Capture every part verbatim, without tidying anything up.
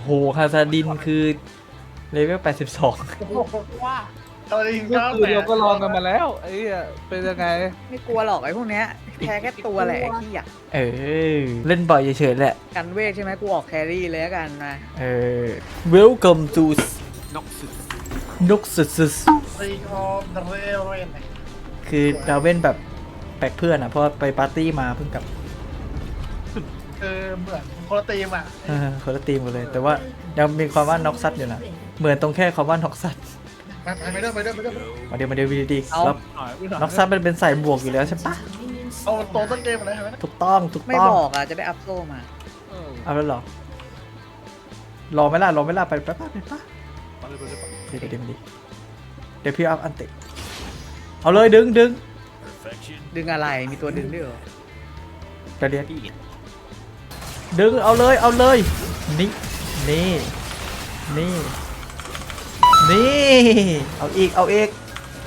หคาซาดินคือเลเวลแปดสิบสองว่าตอนนี้เมื่ก็อคืนเราก็ลองกันมาแล้วไอ้เหี้ยเป็นยังไงไม่กลัวหรอกไอ้พวกเนี้ยแพ้แค่ตัวแหละไอ้ที่อยากเออเล่นบ่อยเฉยๆแหละกันเวทใช่ไหมกูออกแครี่เลยแล้วกันมาเออ welcome to นกสุดนกสุดซีออฟเรเรนๆคือดาวเว่นแบบแปลกเพื่อนอ่ะเพราะว่าไปปาร์ตี้มาเพิ่งกลับเออเหมือนคนละตีมอ่ะเออคนละทีมกันเลย แต่ว่ายังมีความว่าน็อกซัดอยู่นะเหมือนตรงแค่คำว่าน็อกซัดไปไปไปเด้อไปเด้อไปเด้อมาเดี๋ยวมาเดี๋ยววีดีเอาแล้วน็อกซัดมันเป็นใส่บวกอยู่แล้วใช่ปะเอาตัวต้นเกมอะไรใช่ไหมถูกต้องถูกไม่ต้องบอกอ่ะจะได้อัพโซ่มาเออเอาแล้วเหรอรอไหม่ล่ะรอไหม่ล่ะไปไปไปไปปะไปเลยไปเลยไปเลยเดี๋ยวเดี๋ยวเดี๋ยวเดี๋ยวพี่อัพอันติเอาเลยดึงดึงดึงอะไรมีตัวดึงด้วยเหรอกระเดียดดึงเอาเลยเอาเลยนี่นี่นี่นี่เอาอีกเอาอีก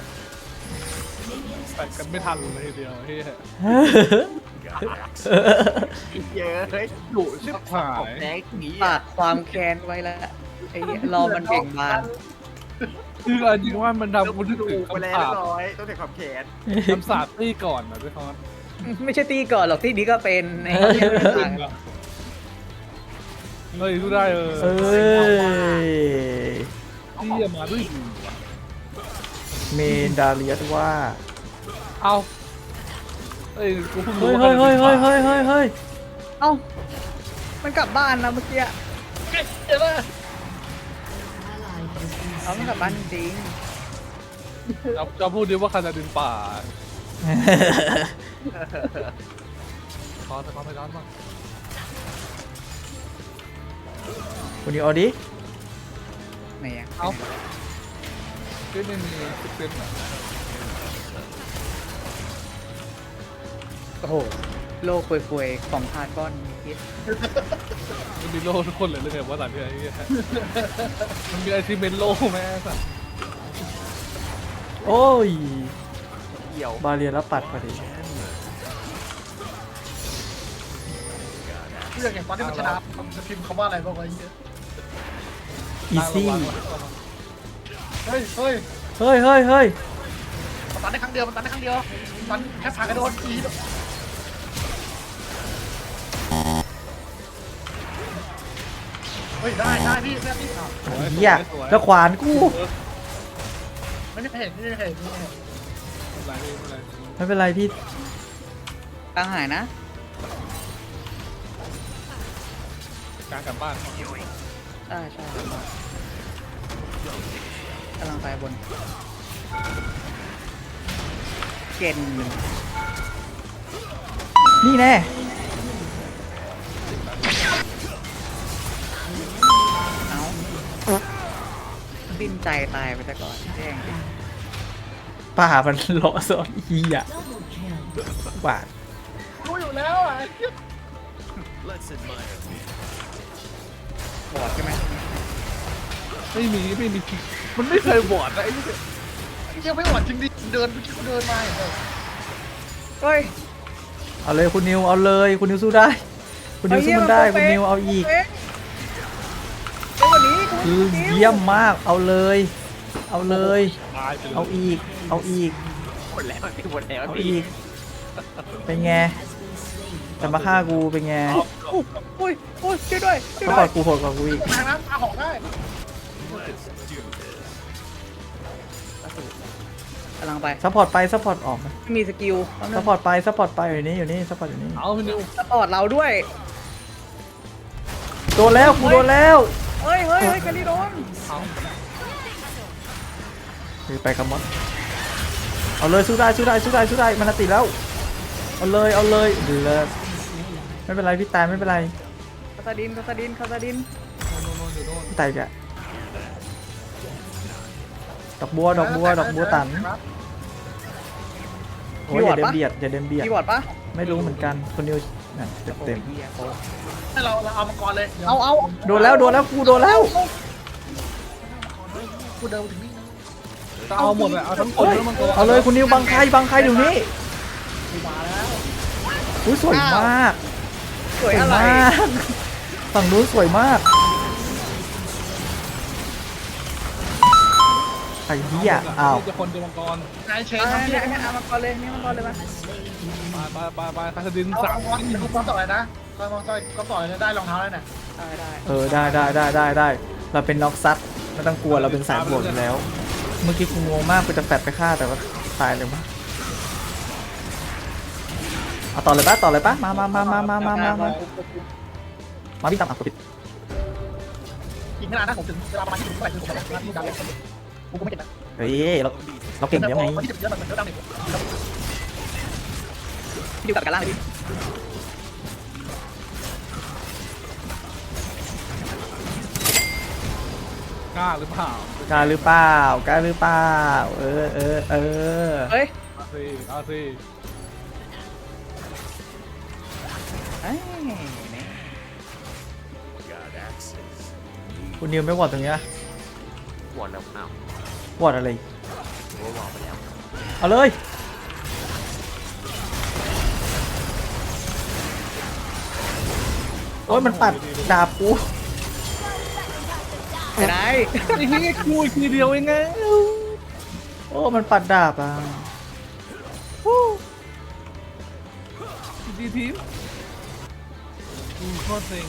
แตกกันไม่ทันเลยทีเดียวเฮียเยอะเฮ้ยดุชิบหายแดงหนีฝากความแค้นไว้แล้วไอ้เหี้ยรอมันเบ่งบานคือเอาจริงว่ามันทำกูนึกถึงไปแล้คำวสาปร้อยต้องเด็กความแขนคำสาปตี้ก่อนนะพี่คอนไม่ใช่ตีก่อนหรอกที่นี้ก็เป็นไอ้เหี้ยไม่ต่างกันเฮ้ยกูได้เออเอ้ยที่จะมาด้วยเมนดาเลียสว่าเอาเอ้ยกูเพิ่งรู้เฮ้ยว่าเฮ้ยเฮ้ยเฮ้ยเฮ้ยเฮ้ยเฮ้ยเอ้ามันกลับบ้านนะเมื่อกี้อะเดี๋ยวนะเอามันกลับบ้านจริงจะจะพูดดิว่าคานาดินป่าคอนแต่คอนไปร้อนบ้างคุณนี้เอาดิไหนอะเอาเฮ้ยไม่มีสิบเซนต์อ่ะโอ้โหโลกควยๆของพาก้อนเหี้ยมันมีโล่ทุกคนเลยเลยเนี่ยว่าสัตว์เนี่ยไอ้เหี้ยมันมีไอซิเมนโล่แม่สัตว์โอ้ยเหี่ยวบาเลียแล้วปัดพอดีเรื่องอย่างตอนที่มันชนะมันจะพิมพ์คำว่าอะไรบ้างวะเยอะอีซี่เฮ้ยเฮ้ยเฮ้ยเฮ้ยเฮ้ยมันตันได้ครั้งเดียวมันตันได้ครั้งเดียวมันแค่ผ่านกระโดดอีเฮ้ยได้ได้พี่แม่พี่เหี้ยแล้วขวานกูไม่ได้เห็นไม่ได้เห็นไม่ได้เห็นไม่เป็นไรพี่กลางหายนะการกลับบ้านอ่าใช่กำลังไปบนเกนนี่แน่เอาดิ้นใจตายไปซะก่อนแจ้งดิป่ามันเลาะซอนอีอ่ะบาดรู้อยู่แล้วอ่ะบอดใช่ไหมไม่มีไม่มีมันไม่เคยบอดนะไอ้เหี้ยยังไม่หวั่นจริงดิเดินเมื่อกี้เขาเดินมาเห็นไหมเฮ้ยเอาเลยคุณนิวเอาเลยคุณนิวสู้ได้ คุณนิวสู้มันได้คุณนิวเอาอีกเป๊ะเป๊ะกว่านี้กูคือเยี่ยมมากเอาเลย เอาเลยตายไปเลยเอาอีก เอาอีกหมดแล้วพี่หมดแล้วเอาพี่อีก เป็นไงจะมาฆ่ากูเป็นไงอุ้ยอุ้ยช่วยด้วยช่วยก็ด้กวอย ดกูโหดกว่ากูอีกทางน้ำอาหอกได้กำลังไปซัพพอร์ตไปซัพพอร์ตออกมาไม่มีสกิลซัพพอร์ตไปซัพพอร์ตไปอยู่นี่อยู่นี่ซัพพอร์ตอยู่นี่เอาพี่นิวสปอร์ตเราด้วยโดนแล้วกูโดนแล้วเฮ้ยเฮ้ยเฮ้ยกันดิโดนเอาคือไปกับมดเอาเลยสู้ได้สู้ได้สู้ได้สู้ได้มันติดแล้วเอาเลยเอาเลยดีเลยไม่เป็นไรพี่ตายไม่เป็นไรคาซาดินคาซาดินคาซาดินโน่นโน่นอยู่โน่นพี่ตายอีกอะดอกบัวดอกบัวดอกบัวตันโอ้ยอย่าเดินเบียดอย่าเดินเบียดมีวอร์ดปะไม่รู้เหมือนกันคนนิวนั่นเต็มเต็มโอ้ยหี้ยโอ้ให้เราเราเอามังกรเลยเอาเอาโดนแล้วโดนแล้วกูโดนแล้วกูเดินถึงนี่จะเอาหมดเลยเอาทั้งคนแล้วมันก็เอาเลยคุณนิวบังใครบังใครเดี๋ยวนี้กูมาแล้วอุ้ยสวยมากสวยอะไรมากฝั่งนู้นสวยมากรเหี้ยอ้าวจะคนเดียวมังกรนายเชนเอาทำที่เนี่ยเนี่ยเอามาก่อนเลยนี่มาก่อนเลยมาไปไปไปไปคาสดินเอาสามเอาเอาก็ต่อเลยนะก็ต่อยก็ต่อยได้รองเท้าแล้วเนี่ยได้ได้เออได้ได้ได้ได้ได้เราเป็นน็อกซัดไม่ต้องกลัวเราเป็นสายบวกอยู่แล้ว เมื่อกี้กูงงมากกูจะแฟดไปฆ่าแต่ว่าตายเลยมั้งเอาต่อเลยปะต่อเลยปะมามามามามามามามามาพี่ตามอ่ะกดปิดอีกไม่นานนะผมถึงเวลาประมาณที่ถึงเท่าไหร่ถึงผมจะที่ดาวเลยกูก็ไม่เก็บนะเฮ้ยเราเราเก่งแล้วไงที่ถึงเยอะมันเยอะดังเลยพี่ดิวตัดกันล่างเลยพี่กล้าหรือเปล่ากล้าหรือเปล่ากล้าหรือเปล่าเออเออเออเฮ้ยเอาสิเอาสิเอ้ยเนี่ยคุณนิวไม่วอดตรงเนี้ยวอดแล้วอ้าววอดอะไรโอ้วอดไปแล้วเอาเลยโอ้ยมันปัดดาบกูไม่ได้ไอ้เหี้ยกูอีกทีเดียวเองไงโอ้มันปัดดาบอ่ะดีทีมกูโคตรเซ็ง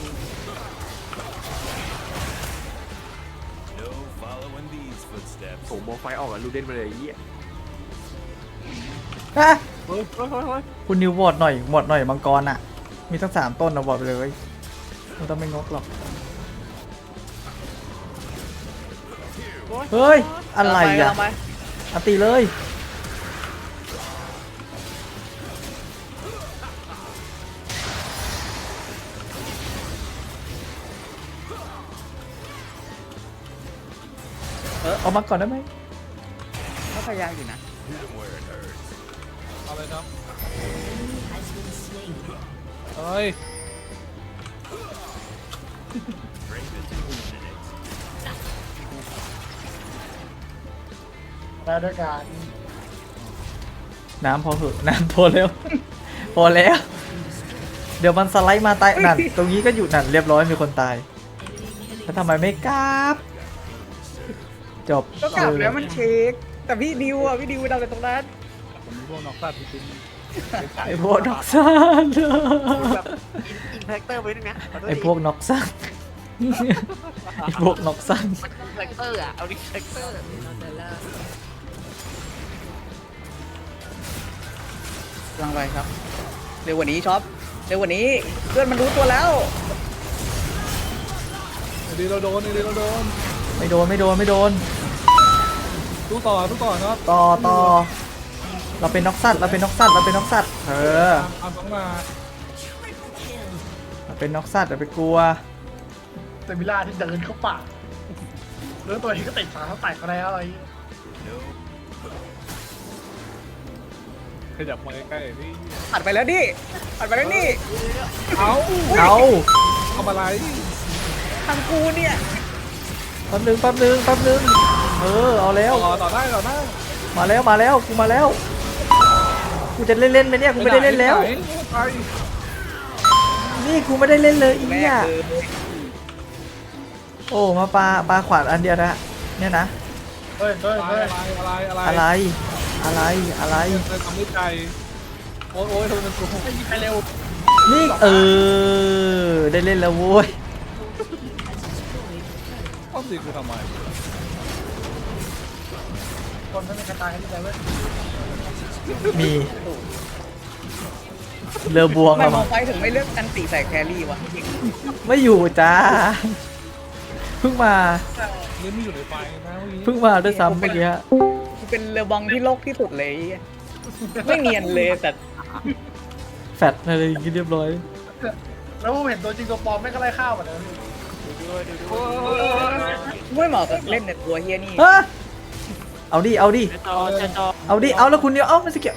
ส่งโมไฟออกอะลูเดนมาเลยไอ้เหี้ยฮะเฮ้ยเฮ้ยเฮ้ยเฮ้ยคุณนิววอดหน่อยวอดหน่อยมังกรอ่ะ มีทั้งสามต้นนะวอดไปเลยมันต้องไม่งกหรอกเฮ้ยอะไรอ่ะเอาไปอันตีเลยเออเอามาก่อนได้ไหมเขาพยายามอยู่นะเอาเลยครับเฮ้ยแล้วด้วยการน้ำพอเหอะน้ำพอแล้ว พอแล้ว เดี๋ยวมันสไลด์มาตายนั่นตรงนี้ก็อยู่นั่นเรียบร้อยมีคนตายแล้วทำไมไม่กราบจบก็กลับเออแล้วมันเช็คแต่พี่ดิวอ่ะพี่ดิวทำอะไรตรงนั้นผมมีพวกนอกสัตว์จริงไอพวกนอกซานแบบอินแพคเตอร์ไปด้วยนะขโทษไอทีพวกนอกซันไอพวกนอกซันมันอินแพคเตอร์อะเอาดิแพคเตอร์กำลังไปครับเร็วกว่านี้ช็อปเร็วกว่านี้เพื่อนมันรู้ตัวแล้วๆไอ้ดีเราโดนไอ้ดีเราโดนไม่โดนไม่โดนไม่โดนตู้ต่อตู้ต่อเนาะต่อต่อเราเป็นนอกซัดเราเป็นนอกซัดเราเป็นนอกซัดเออตามต้องมาเราเป็นนอกซัดอย่าไปกลัวเซมิล่าที่เดินเข้าป่าเรื่องตัวที่ก็ติดขาเขาแตกอะไรอะไรขยับมาใกล้ๆนี่ปัดไปแล้วดิปัดไปแล้วนี่เอาเอาทำอะไรทางกูเนี่ยแป๊บนึงแป๊บนึงแป๊บนึงเออเอาแล้วต่อต่อได้ต่อได้มาแล้วมาแล้วกูมาแล้วกูจะเล่นเล่นไหมเนี่ยกูไม่ได้เล่นแล้วไปไปนี่กูไม่ได้เล่นเลยอีแม่เนี่ยคือโอ้มาปลาปลาขวานอันเดียวนะเนี่ยนะเฮ้ยเฮ้ยอะไรเฮ้ยอะไรอะไรอะไรอะไรอะไรเธอทำด้วยใจโอ้ยโอ้ยทำไมมันกูไม่ยิงใครเร็วนี่เออได้เล่นแล้วโว้ยต้องสิกูทำไมคนไม่มีใครตายกันที่ไหนเว้ยมีเรือบวงทำไมอะมมั้อง งไปถึงไม่เลือกกันตีใส่แครี่วะไม่อยู่จ้าเพิ่งมานี่ไม่อยู่ในไฟนะเมื่อกี้เพิ่งมาด้วยซ้ำเมื่อกี้กูเป็นเรือบองที่โลกที่สุดเลยไอ้เหี้ยไม่เนียนเลยแต่แฟดอะไรอย่างงี้เรียบร้อยแล้วผมเห็นตัวจริงตัวปลอมไม่ก็ไล่ข้าวหมดเลยโอ้ยไม่เหมาะกับเล่นในตัวเฮียนี่ฮะเอาดิเอาดิจอจอจอเอาดิเอาแล้วคุณเดียวเอ้าไม่สเกี่ยวน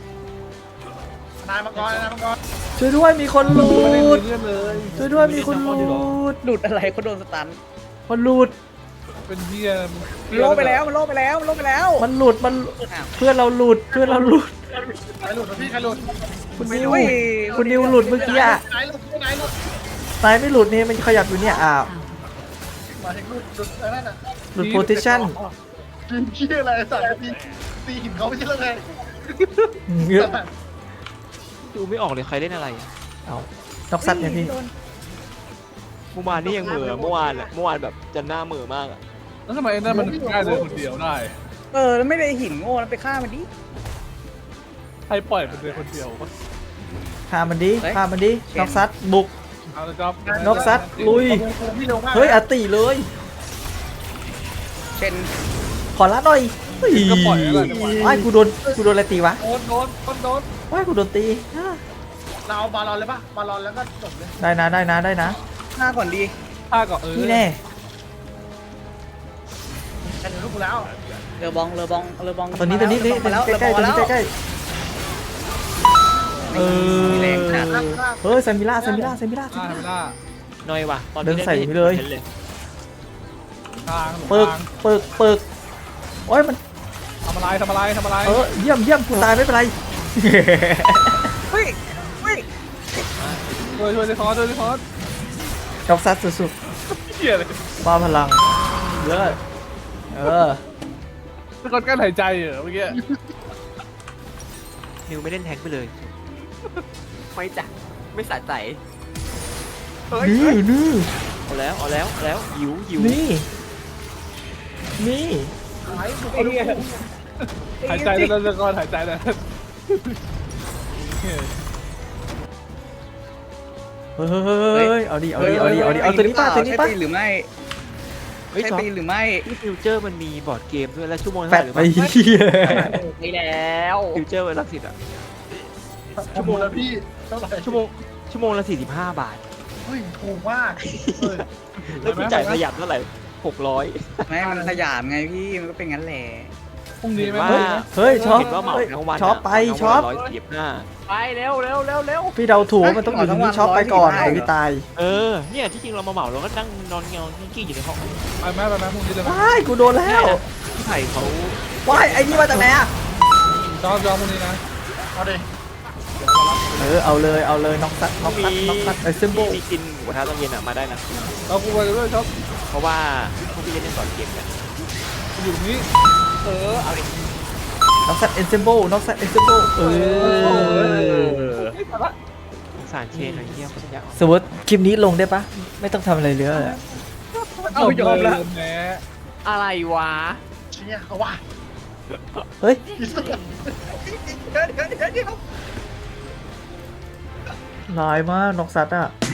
ายมังกรนายมังกรช่วยด้วยมีคนหลุไม่ได้ดเรื่องเลยช่วยด้วยมีคนหลุดหลุดอะไรเขาโดนสตันคนหลุดเป็นเฮียมันโลกไปแล้วมันโลกไปแล้วมันโลกไปแล้วมันหลุดมันอ้าวเพื่อนเราหลุดเพื่อนเราหลุดใครหลุดวะพี่ใครหลุดคุณนิวอุ้ยคุณนิวหลุดเมื่อกี้อะไหนหลุดไหนหลุดนายไม่หลุดนี่มันขยับอยู่เนี่ยอ้าวมาถึงหลุดหลุดอะไรนั่นน่ะหลุดโพซิชั่นยืนเชี่ยอะไรสัตว์ตีตีหินเขาไม่ใช่เรื่องไงเงือกดูไม่ออกเลยใครเล่นอะไรอะเอานกซัดเนี่ยพี่โดนเมื่อวานนี่ยังเหม่อเมื่อวานอะเมื่อวานแบบจะหน้าเหม่อมากอะแล้วทำไมไอ้นั่นมันง่ายเลยคนเดียวได้เออแล้วไม่ได้หินโง่แล้วไปฆ่ามันดิใครปล่อยมันเลยคนเดียววะฆ่ามันดิเฮ้ยฆ่ามันดิเชนนกซัดบุกเอาละครับนกซัดลุยพี่เร็วมากเฮ้ยอติเลยเช่นขอละหน่อยเฮ้ยก็ปล่อยแล้วกันว้ายกูโดนกูโดนอะไรตีวะโดนโดนโดนโดนว้ายกูโดนตีอ่ะเราเอาบาลอนเลยปะบาลอนแล้วก็จบเลยได้นะได้นะได้นะฆ่าก่อนดีฆ่าก่อนเออนี่แน่แต่เดี๋ยวลูกกูแล้วเรือบองเรือบองเรือบองตัวนี้ตัวนี้นี่มาแล้วใกล้ใกล้ๆตัวนี้เรือบองมาใกล้แล้วๆเออแรงจัดเฮ้ยเซมิล่าเซมิล่าเซมิล่าเซฆ่ามิไม่ล่าได้น้อยว่ะตอนเดินใส่ไม่ไปเลยห็นเลยทางหลงปึกทางปึกปึกโอ้ยมันทำอะไรทำอะไรทำอะไรเออเยี่ยมเยี่ยมกูตายไม่เป็นไรเฮ้ยเฮ้ยช่วยช่วยดิคอร์ช่วยดิคอร์นกซัดสุดเหี้ยเลยๆบ้าพลังเยอะเออดิคอร์กั้นหายใจเหรอเมื่อกี้นิวไม่เล่นแทงค์ไปเลยไม่จ้ะไม่สะใจเฮ้ยนี่เฮ้ยนี่เอาแล้วเอาแล้วเอาแล้วหิวหิวนี่นี่ไอ้ลูกไอ้เหี้ยหายใจแล้วดิคอร์หายใจแล้วเฮ้ยเฮ้ยเอาดิเอาดิเอาดิเอาดิเอาตัวนี้ป่ะตัวนี้ป่ะใช่ปีหรือไม่เฮ้ยใช่จอปีหรือไม่ที่ฟิวเจอร์มันมีบอร์ดเกมด้วยแล้วชั่วโมงแปเท่าดไหร่หรือไปเปล่าเหี้ยไปแล้วฟิวเจอร์วันละสิบอะชั่วโมงแล้วพี่เท่าไหร่ชั่วโมงชั่วโมงละสี่สิบห้าบาทเฮ้ยถูกมากเออแล้วคุณจ่ายประหยัดเท่าไหร่หกร้อยไม่มันขยามไงพี่มันก็เป็นงั้นแหละพรุ่งนี้ไหมว่าเฮ้ยเฮ้ยช็อปเห็นว่าเหมาเฮ้ยทั้งวันช็อปไปช็อปร้อยสี่สิบห้าไปเร็วเร็วเร็วเร็วพี่เดาถูกว่ามันต้องอยู่ตรงนี้ช็อปไปก่อนเดี๋ยวพี่ตายเออเนี่ยที่จริงเรามาเหมาเราก็นั่งนอนเงากิ้งอยู่ในห้องไปไหมไปไหมพรุ่งนี้จะไหมว้ายกูโดนแล้วพี่ไผ่เขาว้ายไอ้นี่มาจากไหนอ่ะจอมจอมพรุ่งนี้นะเอาดิเออเอาเลยเอาเลยน็อกซัดน็อกซัดน็อกซัดไอ้ซิมโบมีกินหมูกระทะตอนเย็นอ่ะมาได้นะเราคุยกันด้วยครับเพราะว่าพวกพี่เล่นสอนเกมกันอยู่ตรงนี้เออเอาดิน็อกซัดเอ็นซิมโบน็อกซัดเอ็นซิมโบเออไม่ทันละสงสารเชนหน่อยเที่ยวเขาจะยากสมมติคลิปนี้ลงได้ปะไม่ต้องทำอะไรเลยอะเอายอมแล้วแหมอะไรวะเชี่ยเอาว่ะเฮ้ยอีสุดเดี๋ยวเดี๋ยวเดี๋ยวเดี๋ยวลายมากน็อกซัดอ่ะ